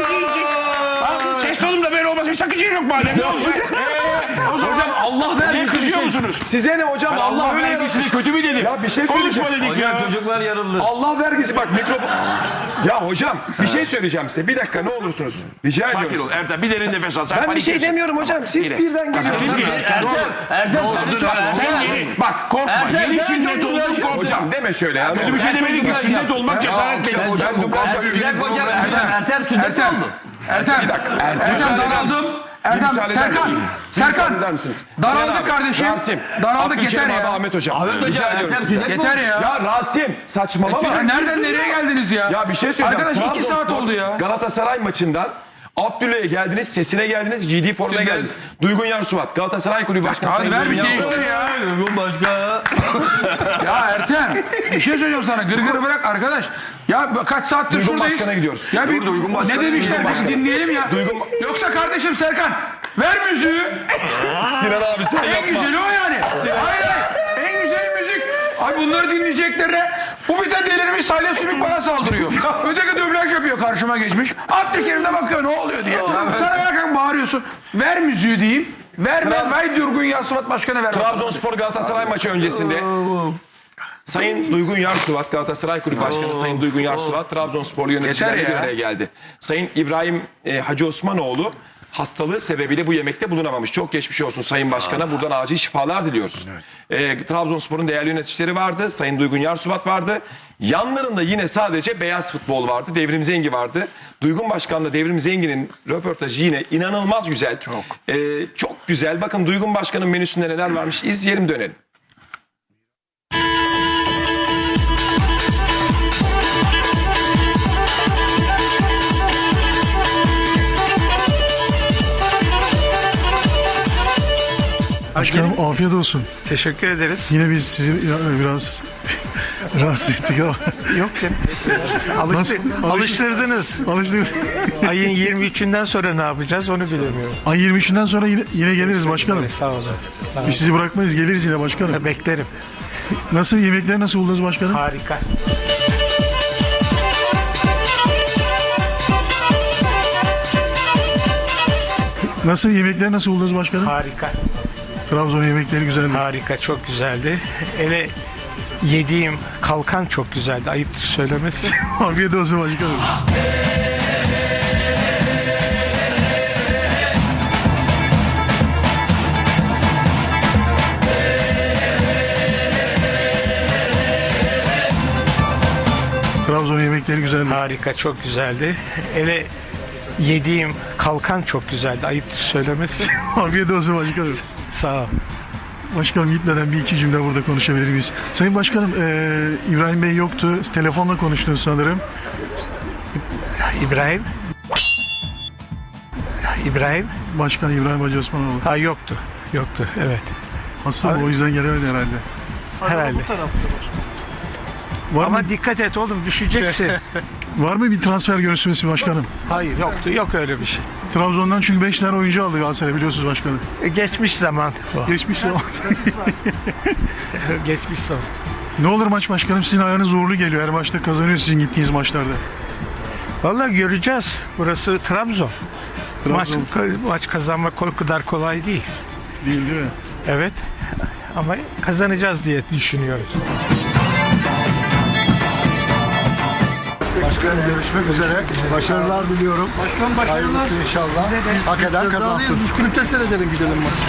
Speaker 6: Ses tonumda böyle olması bir sakınca yok madem. Ne olacak? Ee, o zaman
Speaker 1: Hocam Allah
Speaker 6: niye
Speaker 1: vergisi bir
Speaker 6: kızıyor
Speaker 1: şey.
Speaker 6: musunuz?
Speaker 1: Size ne hocam?
Speaker 6: Ben
Speaker 1: Allah,
Speaker 6: Allah
Speaker 1: öyle
Speaker 6: vergisini
Speaker 1: yaratmış.
Speaker 6: kötü mü dedim?
Speaker 1: Ya bir şey
Speaker 6: Konuşma
Speaker 1: söyleyeceğim.
Speaker 6: dedik ya.
Speaker 5: Hocam çocuklar yarıldı.
Speaker 1: Allah vergisi bak mikrofon. Ya hocam bir şey söyleyeceğim size. Bir dakika ne olursunuz. Rica
Speaker 6: Sakin
Speaker 1: ediyorum.
Speaker 6: ol Ertem. Bir derin nefes al. Sen
Speaker 1: Ben bir
Speaker 6: panik
Speaker 1: şey
Speaker 6: yesin.
Speaker 1: demiyorum hocam. Siz
Speaker 6: Yine.
Speaker 1: birden geliyorsunuz.
Speaker 6: Çünkü
Speaker 5: Ertem, Ertem sen lütfen.
Speaker 6: sen
Speaker 5: Ertem.
Speaker 6: yeni. Bak korkma.
Speaker 5: Ertem,
Speaker 6: Yeni
Speaker 5: sen
Speaker 6: sünnet
Speaker 5: çok
Speaker 6: oldun
Speaker 5: güzel-
Speaker 6: korkma.
Speaker 1: Hocam deme şöyle ya.
Speaker 6: Kötü bir şey demedik ki sünnet olmak cesaret
Speaker 2: akşam
Speaker 6: değil.
Speaker 2: hocam,
Speaker 1: Ben dublaj
Speaker 2: bu
Speaker 1: yapıyorum.
Speaker 5: Bir dakika hocam Ertem, Ertem sünnet
Speaker 4: Ertem.
Speaker 5: oldu.
Speaker 4: Ertem.
Speaker 1: Bir dakika.
Speaker 4: Ertem
Speaker 1: Müsaade eder
Speaker 4: daraldım.
Speaker 1: misiniz?
Speaker 4: Ertem,
Speaker 1: Müsaade eder
Speaker 4: Serkan.
Speaker 1: misiniz?
Speaker 4: Serkan.
Speaker 1: Müsaade eder misiniz?
Speaker 4: Daraldık
Speaker 1: Sinan abi,
Speaker 4: kardeşim.
Speaker 1: Rasim.
Speaker 4: Daraldık,
Speaker 1: Abdülkerim
Speaker 4: yeter
Speaker 1: abi,
Speaker 4: ya.
Speaker 1: Ahmet hocam.
Speaker 5: Ahmet hocam,
Speaker 1: Rica
Speaker 5: Ertem
Speaker 1: ediyorum size.
Speaker 5: sünnet
Speaker 4: Yeter ya.
Speaker 1: Ya Rasim saçmalama.
Speaker 4: Ya nereden nereye geldiniz ya?
Speaker 1: Ya bir şey söyleyeceğim.
Speaker 4: Arkadaş iki saat
Speaker 1: Trabzonspor,
Speaker 4: oldu ya.
Speaker 1: Galatasaray maçından Abdülhey'e geldiniz, sesine geldiniz, giydiği formaya geldiniz. Duygun Yarsuvat, Galatasaray Kulübü Başkanı
Speaker 4: Hadi
Speaker 1: Sayın
Speaker 4: ver
Speaker 1: Duygun
Speaker 4: bir
Speaker 1: Yarsuvat.
Speaker 4: değiştir ya.
Speaker 5: Uygun başka.
Speaker 4: Ya Ertem bir şey söyleyeceğim sana. Gırgırı bırak arkadaş. Ya kaç saattir
Speaker 1: Duygun
Speaker 4: şuradayız.
Speaker 1: Başkan'a gidiyoruz.
Speaker 4: Ya bir,
Speaker 2: Dur, Duygun Başkan'a
Speaker 4: ne demişler
Speaker 2: gidiyoruz.
Speaker 4: bir dinleyelim ya.
Speaker 1: Duygun-
Speaker 4: Yoksa kardeşim Serkan Ver müziği.
Speaker 1: Sinan abi sen
Speaker 4: En
Speaker 1: yapma.
Speaker 4: güzeli o yani. Hayır hayır. En güzel müzik. Ay bunları dinleyeceklerine bu bir de delirmiş Salih Sümük bana saldırıyor. Öteki dublaj yapıyor karşıma geçmiş. At bir kere de bakıyor ne oluyor diye. Sana bakarken bağırıyorsun. Ver müziği diyeyim. Ver ver. Vay Durgun Yasuvat Başkanı ver.
Speaker 1: Trabzonspor Galatasaray maçı öncesinde Sayın Duygun Yarsuvat, Galatasaray Kulübü Başkanı Sayın Duygun Yarsuvat, Trabzonsporlu yöneticilerle
Speaker 4: Yeter
Speaker 1: bir
Speaker 4: ya.
Speaker 1: araya geldi. Sayın İbrahim e, Hacı Osmanoğlu hastalığı sebebiyle bu yemekte bulunamamış. Çok geçmiş olsun Sayın Başkan'a. Buradan acil şifalar diliyoruz. E, Trabzonspor'un değerli yöneticileri vardı. Sayın Duygun Yarsuvat vardı. Yanlarında yine sadece beyaz futbol vardı. Devrim Zengi vardı. Duygun Başkan'la Devrim Zengi'nin röportajı yine inanılmaz güzel. Çok. E, çok güzel. Bakın Duygun Başkan'ın menüsünde neler varmış. İzleyelim dönelim.
Speaker 2: Başkanım afiyet olsun.
Speaker 7: Teşekkür ederiz.
Speaker 2: Yine biz sizi biraz rahatsız ettik ama.
Speaker 7: Yok canım. Alıştı,
Speaker 2: Nasıl?
Speaker 7: alıştırdınız.
Speaker 2: Alıştık.
Speaker 7: Ayın yirmi üçünden sonra ne yapacağız onu bilemiyorum.
Speaker 2: Ay yirmi üçünden sonra yine, yine geliriz başkanım.
Speaker 7: Sağ olun. Sağ olun.
Speaker 2: Biz sizi bırakmayız, geliriz yine başkanım.
Speaker 7: Beklerim.
Speaker 2: Nasıl, yemekleri nasıl buldunuz başkanım?
Speaker 7: Harika.
Speaker 2: Nasıl, yemekleri nasıl buldunuz başkanım?
Speaker 7: Harika.
Speaker 2: Trabzon yemekleri güzeldi.
Speaker 7: Harika. Çok güzeldi. Hele yediğim kalkan çok güzeldi. Ayıptır söylemesi.
Speaker 2: Afiyet olsun başkanım. Trabzon yemekleri güzeldi.
Speaker 7: Harika. Çok güzeldi. Hele yediğim kalkan çok güzeldi. Ayıptır söylemesi.
Speaker 2: Afiyet olsun başkanım.
Speaker 7: Sağ ol.
Speaker 2: Başkanım gitmeden bir iki cümle burada konuşabilir miyiz? Sayın Başkanım, eee, İbrahim Bey yoktu. Telefonla konuştunuz sanırım.
Speaker 7: İbrahim. İbrahim.
Speaker 2: Başkan İbrahim Hacı Osmanoğlu.
Speaker 7: Ha yoktu. Yoktu. Evet.
Speaker 2: Hasta mı? O yüzden gelemedi herhalde.
Speaker 7: Herhalde.
Speaker 2: Var,
Speaker 7: Ama
Speaker 2: mı,
Speaker 7: dikkat et oğlum düşeceksin.
Speaker 2: var mı bir transfer görüşmesi başkanım?
Speaker 7: Hayır yoktu. Yok öyle bir şey.
Speaker 2: Trabzon'dan çünkü beş tane oyuncu aldı Galatasaray, biliyorsunuz başkanım.
Speaker 7: E, Geçmiş zaman bu.
Speaker 2: Geçmiş zaman.
Speaker 7: Geçmiş zaman.
Speaker 2: Ne olur maç başkanım, sizin ayağınız uğurlu geliyor. Her maçta kazanıyor sizin gittiğiniz maçlarda.
Speaker 7: Vallahi göreceğiz. Burası Trabzon. Maç,
Speaker 2: Trabzon
Speaker 7: maç kazanmak o kadar kolay değil.
Speaker 2: değil değil mi?
Speaker 7: Evet. Ama kazanacağız diye düşünüyoruz.
Speaker 8: Başkanım görüşmek üzere. Başarılar diliyorum. Başkan başarılar. Hayırlısı inşallah. Hak eden kazansın. Biz kulüpte seyredelim, gidelim maçı.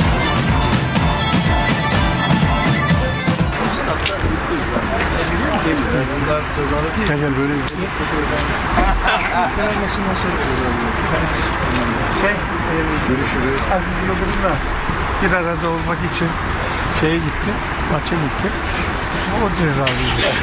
Speaker 8: Bunlar cezalı değil.
Speaker 2: Gel gel böyle gidelim.
Speaker 8: Fenerbahçe'nden sonra cezalı.
Speaker 7: Şey, Görüşürüz. Aziz Yıldırım'la bir arada olmak için şeye gitti, maça gitti. O cezalıydı.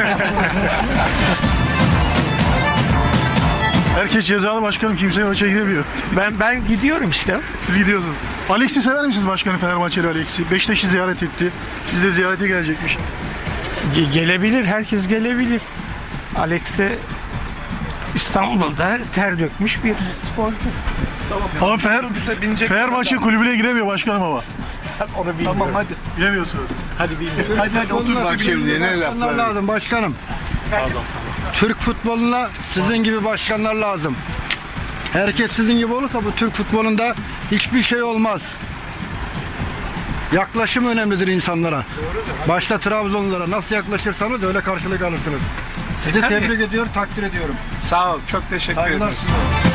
Speaker 2: Herkes cezalı başkanım, kimse maça gidemiyor.
Speaker 7: Ben ben gidiyorum işte.
Speaker 2: Siz gidiyorsunuz. Alex'i sever misiniz başkanım, Fenerbahçeli Alex'i? Beşiktaş'ı ziyaret etti. Sizi de ziyarete gelecekmiş.
Speaker 7: Ge- gelebilir, herkes gelebilir. Alex de İstanbul'da ter dökmüş bir sporcu.
Speaker 2: Ama Fener, Fenerbahçe kulübüne giremiyor başkanım ama.
Speaker 7: Onu bilmiyorum.
Speaker 2: Tamam hadi. Bilemiyorsunuz.
Speaker 7: Hadi bilmiyorum.
Speaker 8: Hadi hadi otur bak şimdi. Ne laflar lazım başkanım. Türk futboluna sizin gibi başkanlar lazım. Herkes sizin gibi olursa bu Türk futbolunda hiçbir şey olmaz. Yaklaşım önemlidir insanlara. Başta Trabzonlulara nasıl yaklaşırsanız öyle karşılık alırsınız. Sizi tebrik ediyorum, takdir ediyorum.
Speaker 7: Sağ ol, çok teşekkür
Speaker 8: Saygılar
Speaker 7: ederim.
Speaker 8: size.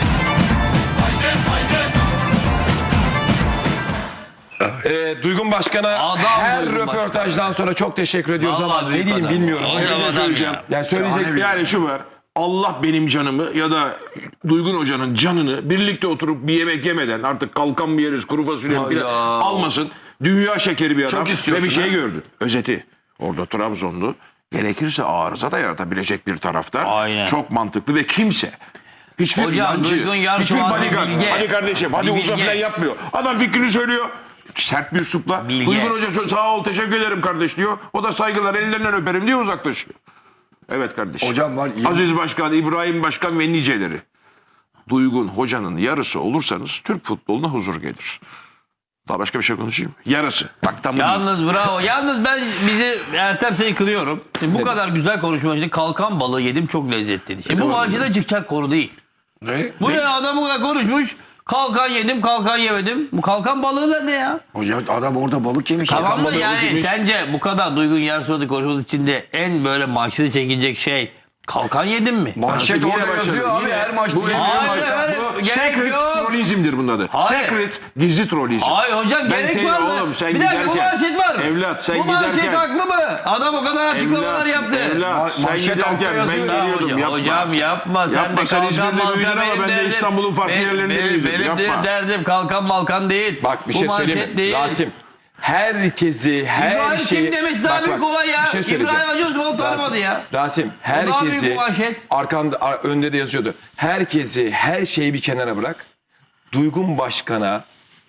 Speaker 1: Ee, Duygun Başkan'a
Speaker 5: Adam
Speaker 1: her
Speaker 5: Duygun
Speaker 1: röportajdan sonra çok teşekkür ediyoruz
Speaker 5: Vallahi
Speaker 1: ama ne
Speaker 5: büyük
Speaker 1: diyeyim
Speaker 5: adam.
Speaker 1: bilmiyorum.
Speaker 5: Adam
Speaker 1: Ne
Speaker 5: adam
Speaker 1: söyleyeceğim?
Speaker 5: ya.
Speaker 1: Yani söyleyecek
Speaker 6: Yani şu var. Allah benim canımı ya da Duygun Hoca'nın canını birlikte oturup bir yemek yemeden, artık kalkan bir yeriz, kuru fasulye
Speaker 5: Hayda.
Speaker 6: falan almasın. Dünya şekeri bir adam.
Speaker 5: Çok istiyorsun
Speaker 6: Ve bir şey
Speaker 5: ha?
Speaker 6: gördü. Özeti. Orada Trabzonlu gerekirse arıza da yaratabilecek bir taraftar.
Speaker 5: Aynen.
Speaker 6: Çok mantıklı ve kimse hiçbir
Speaker 5: Hocam,
Speaker 6: inancı,
Speaker 5: Duygun Yarsu
Speaker 6: hiçbir
Speaker 5: abi
Speaker 6: bodyguard,
Speaker 5: bilge.
Speaker 6: hadi kardeşim, hadi
Speaker 5: Bir
Speaker 6: uza
Speaker 5: bilge.
Speaker 6: falan yapmıyor. Adam fikrini söylüyor. Sert bir üslupla.
Speaker 5: Bilge.
Speaker 6: Duygun Hoca sağ ol, teşekkür ederim kardeş diyor. O da saygılar, ellerinden öperim diye uzaklaşıyor. Evet kardeşim.
Speaker 8: Hocam var.
Speaker 6: Aziz Başkan, İbrahim Başkan ve niceleri. Duygun Hoca'nın yarısı olursanız Türk futboluna huzur gelir. Daha başka bir şey konuşayım. Yarısı. Bak tam bu değil.
Speaker 5: Yalnız bravo. Yalnız ben bizi Ertem seni kılıyorum. Şimdi bu kadar güzel konuşma için kalkan balığı yedim çok lezzetliydi. Şimdi bu maçta çıkacak konu değil.
Speaker 6: Ne?
Speaker 5: Bu ne adam bu kadar konuşmuş. Kalkan yedim, kalkan yemedim. Bu kalkan balığı da ne ya?
Speaker 9: Ya adam orada balık yemiş.
Speaker 5: Tamam mı
Speaker 1: balığı
Speaker 5: yani
Speaker 1: yemiş.
Speaker 5: sence bu kadar Duygun Yarsuat'ı konuşması içinde en böyle maçlı çekilecek şey kalkan yedim mi?
Speaker 9: Manşet
Speaker 6: Yine
Speaker 9: orada
Speaker 6: başladı.
Speaker 9: yazıyor abi
Speaker 6: Yine-
Speaker 9: her maçta.
Speaker 6: Bu-
Speaker 9: geliyor.
Speaker 5: Hayır,
Speaker 6: Bu
Speaker 5: hayır, gerek
Speaker 6: secret
Speaker 5: yok.
Speaker 6: trollizmdir bunun adı.
Speaker 5: Hayır.
Speaker 6: Secret gizli trollizm.
Speaker 5: Hayır hocam
Speaker 6: Ben
Speaker 5: gerek
Speaker 6: seni
Speaker 5: var mı?
Speaker 6: oğlum, sen
Speaker 5: bir dakika bu
Speaker 6: giderken-
Speaker 5: manşet var mı?
Speaker 6: Evlat, sen
Speaker 5: bu manşet
Speaker 6: giderken-
Speaker 5: haklı mı? Adam o kadar açıklamalar
Speaker 6: Evlat,
Speaker 5: yaptı.
Speaker 6: Evlat, sen
Speaker 9: manşet altta
Speaker 6: giderken ben
Speaker 9: yazıyor.
Speaker 5: Ya
Speaker 6: geliyordum
Speaker 5: hocam,
Speaker 6: yapma.
Speaker 5: hocam yapma. Sen
Speaker 6: Yapma,
Speaker 5: de
Speaker 6: sen
Speaker 5: kalkan
Speaker 6: İzmir'de
Speaker 5: malkan
Speaker 6: büyüdün ama
Speaker 5: benim
Speaker 6: ben de
Speaker 5: derdim.
Speaker 6: İstanbul'un farklı
Speaker 5: Benim-
Speaker 6: yerlerinde
Speaker 5: benim-
Speaker 6: büyüdüm.
Speaker 5: Benim de
Speaker 6: Yapma.
Speaker 5: derdim kalkan malkan değil.
Speaker 1: Bak bir
Speaker 5: Bu
Speaker 1: şey
Speaker 5: manşet
Speaker 1: söyleyeyim mi?
Speaker 5: değil.
Speaker 1: Rasim. Herkesi, her
Speaker 5: İbrahim
Speaker 1: şeyi...
Speaker 5: kim demesi daha büyük olay ya.
Speaker 1: Bir şey söyleyeceğim.
Speaker 5: İbrahim Hacı Osman'ı tanımadı
Speaker 1: Rasim,
Speaker 5: ya.
Speaker 1: Rasim,
Speaker 5: daha büyük
Speaker 1: herkesi...
Speaker 5: bu manşet.
Speaker 1: Arkanda, ar- önde de yazıyordu. Herkesi, her şeyi bir kenara bırak. Duygun Başkan'a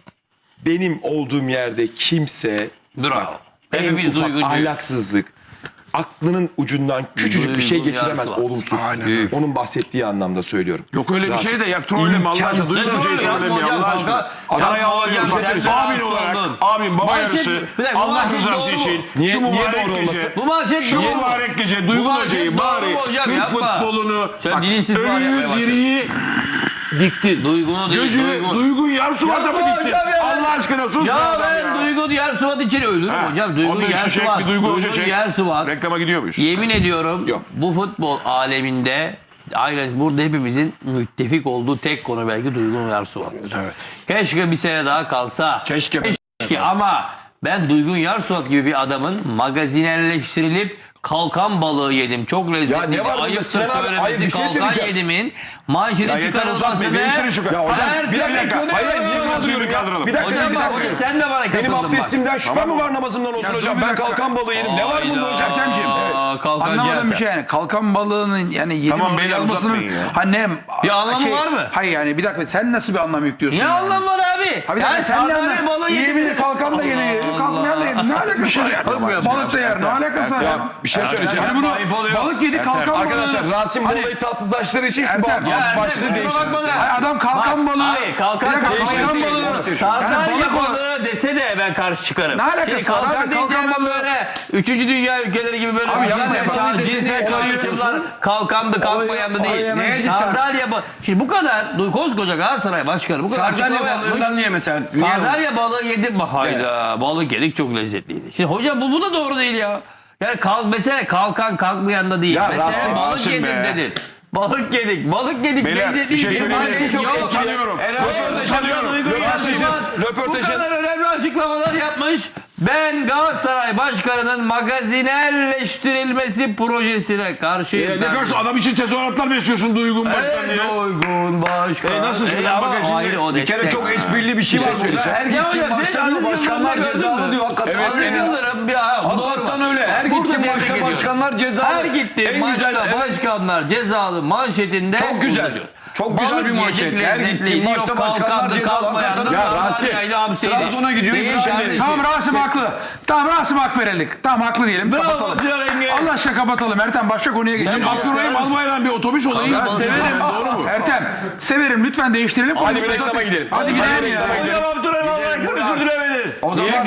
Speaker 1: benim olduğum yerde kimse...
Speaker 5: Bravo.
Speaker 1: Bak, en
Speaker 5: Hepimiz
Speaker 1: ufak
Speaker 5: duygucuyuz.
Speaker 1: ahlaksızlık, aklının ucundan küçücük bir şey
Speaker 5: Duygun
Speaker 1: geçiremez
Speaker 5: yarısı var.
Speaker 1: olumsuz. Onun bahsettiği anlamda söylüyorum.
Speaker 6: Yok öyle bir
Speaker 1: Rasim,
Speaker 6: şey de ya trolleme Allah aşkına.
Speaker 1: imkansız.
Speaker 6: Duysun
Speaker 5: Ne
Speaker 6: şey
Speaker 5: trollü yapma
Speaker 6: trolleme
Speaker 5: hocam,
Speaker 6: Allah aşkına.
Speaker 5: kanka.
Speaker 6: Parayı
Speaker 5: Yapma
Speaker 6: alıyorum.
Speaker 5: hocam,
Speaker 6: Sen
Speaker 5: sen de
Speaker 6: abin
Speaker 5: rahatsız
Speaker 6: olarak,
Speaker 5: oldun.
Speaker 6: abim baba
Speaker 5: Manşet-
Speaker 6: yarısı,
Speaker 5: bir dakika, bu
Speaker 6: Allah
Speaker 5: manşet
Speaker 6: rızası
Speaker 5: doğru mu?
Speaker 6: için.
Speaker 1: Niye-
Speaker 6: şu
Speaker 1: niye
Speaker 6: mübarek
Speaker 1: doğru
Speaker 6: gece,
Speaker 1: olmasın?
Speaker 5: Bu manşet
Speaker 6: Şu
Speaker 5: doğru mu?
Speaker 6: mübarek gece
Speaker 5: Bu
Speaker 6: Duygun
Speaker 5: manşet
Speaker 6: Hoca'yı
Speaker 5: doğru
Speaker 6: bari
Speaker 5: mu hocam?
Speaker 6: Türk
Speaker 5: Yapma.
Speaker 6: futbolunu
Speaker 5: Sen
Speaker 6: bak,
Speaker 5: din istismar yapmaya
Speaker 6: ölüyü
Speaker 5: başladın.
Speaker 6: diriyi diktin.
Speaker 5: Duygunu değil,
Speaker 6: Gözünü
Speaker 5: Duygun.
Speaker 6: Duygun Yarsuvat'a mı
Speaker 5: Yapma
Speaker 6: diktin?
Speaker 5: hocam ya.
Speaker 6: Allah aşkına sus
Speaker 5: Ya
Speaker 6: be
Speaker 5: ben
Speaker 6: adam ya.
Speaker 5: Duygun Yersuvat için ölürüm
Speaker 6: Ha,
Speaker 5: hocam. Duygun
Speaker 6: onda şu çek,
Speaker 5: Yersuvat.
Speaker 6: bir Duygun Hoca
Speaker 5: Duygun
Speaker 6: çek.
Speaker 5: Yersuvat.
Speaker 6: Reklama gidiyor muyuz?
Speaker 5: Yemin ediyorum
Speaker 1: Yok.
Speaker 5: bu futbol aleminde aynen burada hepimizin müttefik olduğu tek konu belki Duygun Yersuvat.
Speaker 9: Evet.
Speaker 5: Keşke bir sene daha kalsa.
Speaker 9: Keşke.
Speaker 5: Keşke ama ben Duygun Yarsuat gibi bir adamın magazinerleştirilip kalkan balığı yedim. Çok lezzetli.
Speaker 1: Ya ne var bunda
Speaker 5: Ayıptır
Speaker 1: Sinan abi?
Speaker 5: söylemesi,
Speaker 1: Hayır, bir şey
Speaker 5: kalkan
Speaker 1: söyleyeceğim.
Speaker 5: yedimin manşete
Speaker 6: yeter,
Speaker 5: çıkarılmasını.
Speaker 6: uzatmayın, değiştirin şu- Ya hocam,
Speaker 5: Her
Speaker 6: bir
Speaker 5: türlü
Speaker 6: dakika.
Speaker 5: konu-
Speaker 6: Hayır, niye kaldırıyorum ya?
Speaker 1: Bir dakika,
Speaker 5: Hocam
Speaker 1: bir
Speaker 5: bak,
Speaker 1: dakika.
Speaker 5: sen de bana katıldın
Speaker 1: Benim
Speaker 5: bak.
Speaker 1: abdestimden şüphe mi var namazımdan olsun hocam?
Speaker 4: dur bir
Speaker 1: Ben
Speaker 4: dakika.
Speaker 1: kalkan balığı yedim. Ne var bunda hocam?
Speaker 4: Ertemciğim.
Speaker 5: Aa, kalkancı
Speaker 4: Anlamadım
Speaker 5: Ertem.
Speaker 4: bir şey yani. Kalkan balığının yani yedi
Speaker 6: Tamam,
Speaker 4: balığı
Speaker 6: beyler,
Speaker 4: yazmasının
Speaker 6: uzatmayın ya.
Speaker 4: ha ne
Speaker 5: Bir anlamı var mı?
Speaker 4: Hayır yani bir dakika sen nasıl bir anlam yüklüyorsun?
Speaker 5: Ne
Speaker 4: yani?
Speaker 5: anlam var abi?
Speaker 4: Ha bir dakika
Speaker 5: Yani
Speaker 4: sen ne
Speaker 5: sardalya balığı
Speaker 4: anlam?
Speaker 5: yedim.
Speaker 4: Yiyebilir kalkan da yedi, kalkmayan da yedi. Ne alakası var ya? Balık da yer. Ne alakası var ya?
Speaker 1: Ya bir şey söyleyeceğim.
Speaker 4: Yani bunu
Speaker 5: Ayıp oluyor.
Speaker 4: balık yedi kalkan balığı.
Speaker 1: Arkadaşlar Rasim bu
Speaker 4: Hani-
Speaker 1: olayı tatsızlaştırdığı için şu
Speaker 4: Ertem,
Speaker 1: bağ-
Speaker 4: ya
Speaker 5: Ertem,
Speaker 1: başlığı
Speaker 5: kusura
Speaker 1: değiştirdi.
Speaker 5: bakma da.
Speaker 4: Hayır, adam kalkan balığı.
Speaker 5: Hayır kalkan,
Speaker 4: Bir dakika,
Speaker 5: kalkan,
Speaker 4: kalkan
Speaker 5: balığı.
Speaker 4: balığı.
Speaker 5: Sardalya
Speaker 4: Yani balık
Speaker 5: balığı dese de ben karşı çıkarım.
Speaker 4: Ne alakası
Speaker 5: Şimdi
Speaker 4: var
Speaker 5: kalkan
Speaker 4: abi?
Speaker 5: deyince
Speaker 4: Kalkan
Speaker 5: hemen
Speaker 4: balığı-
Speaker 5: böyle üçüncü dünya ülkeleri gibi böyle
Speaker 4: Abi yapma
Speaker 5: cinsel,
Speaker 4: ya, balığı
Speaker 5: çağ-
Speaker 4: dese
Speaker 5: cinsel
Speaker 4: niye
Speaker 5: çağrışımlar
Speaker 4: karışıyorsun?
Speaker 5: kalkandı kalkmayandı
Speaker 4: Olaya-
Speaker 5: değil.
Speaker 4: olaya hemen-
Speaker 5: Sardalya balığı. Şimdi bu kadar koskoca Galatasaray başkanı bu kadar
Speaker 9: Sardalya
Speaker 5: açıklama yapmış.
Speaker 9: balığından niye mesela? Niye?
Speaker 5: Sardalya balığı yedim mi? Hayda balık yedik çok lezzetliydi. Şimdi hocam bu, bu da doğru değil ya. Yani kalk, mesele kalkan kalkmayan da değil.
Speaker 1: Ya
Speaker 5: Mesele
Speaker 1: Rasim,
Speaker 5: balık
Speaker 6: Rasim
Speaker 5: yedim
Speaker 6: be.
Speaker 5: dedin. Balık yedik, balık yedik,
Speaker 6: Beyler,
Speaker 5: lezzetliydi.
Speaker 6: bir şey söyleyeyim mi?
Speaker 5: Manşet
Speaker 6: Çok
Speaker 5: yok.
Speaker 6: utanıyorum.
Speaker 5: Utanıyorum.
Speaker 1: Röportajın-
Speaker 5: Bu
Speaker 1: röportajın-
Speaker 5: kadar önemli açıklamalar yapmış. Ben Galatasaray Başkanı'nın magazinerleştirilmesi projesine karşıyım.
Speaker 6: E, ne
Speaker 5: kardeşim.
Speaker 6: kadar adam için tezahüratlar besliyorsun Duygun Başkan diye.
Speaker 5: Ey Duygun Başkan.
Speaker 6: E, nasıl şimdi?
Speaker 5: ama
Speaker 6: Magazinde-
Speaker 5: hayır, o
Speaker 9: Bir kere
Speaker 5: destek.
Speaker 9: çok esprili bir şey var burada. Her
Speaker 5: Ya
Speaker 9: gittiğim
Speaker 5: hocam,
Speaker 9: maçta
Speaker 5: Aziz
Speaker 9: diyor başkanlar
Speaker 5: Yıldırım'ı gördün
Speaker 9: cezalı
Speaker 5: mü?
Speaker 9: diyor. Hakikaten.
Speaker 5: Aziz
Speaker 9: Hakikaten.
Speaker 5: Yıldırım ya. bu
Speaker 9: Hakikaten
Speaker 5: normal.
Speaker 9: öyle. Her
Speaker 5: Burada
Speaker 9: gittiğim
Speaker 5: tebrik
Speaker 9: maçta
Speaker 5: ediyorum.
Speaker 9: başkanlar cezalı.
Speaker 5: Her gittiğim
Speaker 9: En
Speaker 5: maçta
Speaker 9: güzel, evet.
Speaker 5: başkanlar cezalı manşetinde.
Speaker 9: Çok güzel.
Speaker 5: konuşuyoruz.
Speaker 9: Çok güzel
Speaker 5: Balık
Speaker 9: bir
Speaker 5: yedik,
Speaker 9: manşet. Her
Speaker 5: lezzetliydi,
Speaker 9: gittiğim
Speaker 5: yok
Speaker 9: maçta başkanlar
Speaker 5: kalkandı,
Speaker 9: cezalı.
Speaker 5: kalkmayandı,
Speaker 9: Hakikaten
Speaker 1: Ya
Speaker 9: öyle.
Speaker 1: Rasim,
Speaker 5: sardalyaydı, hamsiydi.
Speaker 9: Trabzon'a gidiyor,
Speaker 5: Değil
Speaker 9: İbrahim.
Speaker 5: kardeşim.
Speaker 4: Tamam Rasim haklı. Tamam Rasim hak verelim. Tamam haklı diyelim.
Speaker 5: Bravo
Speaker 4: Kapatalım.
Speaker 5: Sinan Engin.
Speaker 4: Allah aşkına kapatalım. Ertem başka konuya geçelim.
Speaker 5: balık
Speaker 6: Abdurrahim
Speaker 5: sever misin?
Speaker 6: Albayrak'ın bir otobüs olayı.
Speaker 4: Ben severim.
Speaker 6: Doğru mu?
Speaker 4: Ertem severim lütfen değiştirelim.
Speaker 1: Hadi
Speaker 4: konuyu.
Speaker 1: bir reklama gidelim.
Speaker 4: Hadi gidelim ya.
Speaker 5: Hocam Abdurrahim Albayrak'ın özür dilemedir.
Speaker 9: O zaman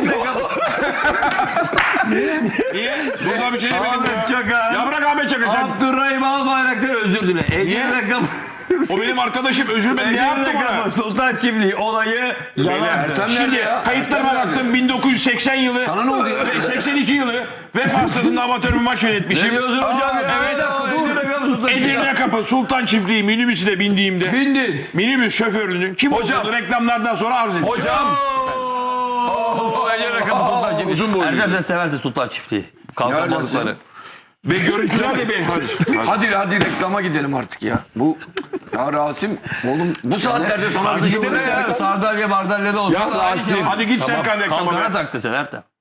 Speaker 6: Niye? Burada bir şey demedim
Speaker 5: Ahmet
Speaker 6: ya.
Speaker 5: Çakar.
Speaker 6: Ya bırak Ahmet Çakar sen.
Speaker 5: Abdurrahim Albayrak'tan özür dile. Ege rakamı.
Speaker 6: O benim arkadaşım, özür ben ne yaptım ona?
Speaker 5: Sultan Çiftliği olayı yalandı.
Speaker 9: Ertem
Speaker 6: Şimdi
Speaker 9: nerede ya?
Speaker 6: kayıtlarıma
Speaker 9: Ertem nerede?
Speaker 6: baktım bin dokuz yüz seksen yılı.
Speaker 9: Sana ne oldu ya?
Speaker 6: seksen iki yılı. Vefa stadında amatör bir maç yönetmişim.
Speaker 5: Ne diyorsun hocam ya?
Speaker 6: evet,
Speaker 5: Ege rakamı Sultan Çiftliği.
Speaker 6: Edirne Kapı Sultan Çiftliği minibüsüne bindiğimde
Speaker 5: Bindin.
Speaker 6: minibüs şoförünün kim olduğunu reklamlardan sonra arz edeceğim.
Speaker 1: Hocam
Speaker 5: Oo, Ege rakamı Sultan Çiftliği.
Speaker 6: Uzun boylu.
Speaker 5: Erdem sen seversin Sultan Çiftliği. Kalkan
Speaker 9: Nereden
Speaker 5: balıkları.
Speaker 6: Ve görüntüler de benim.
Speaker 9: Hadi hadi reklama gidelim artık ya. Bu ya Rasim oğlum bu saatlerde sana bir şey
Speaker 5: Kardeşim
Speaker 9: olur
Speaker 5: ya,
Speaker 9: ya.
Speaker 5: Sardalya Bardalya da olsun.
Speaker 1: Ya Rasim.
Speaker 6: Hadi git Serkan reklama.
Speaker 5: Kalkana
Speaker 6: be.
Speaker 5: taktı sen Ertem.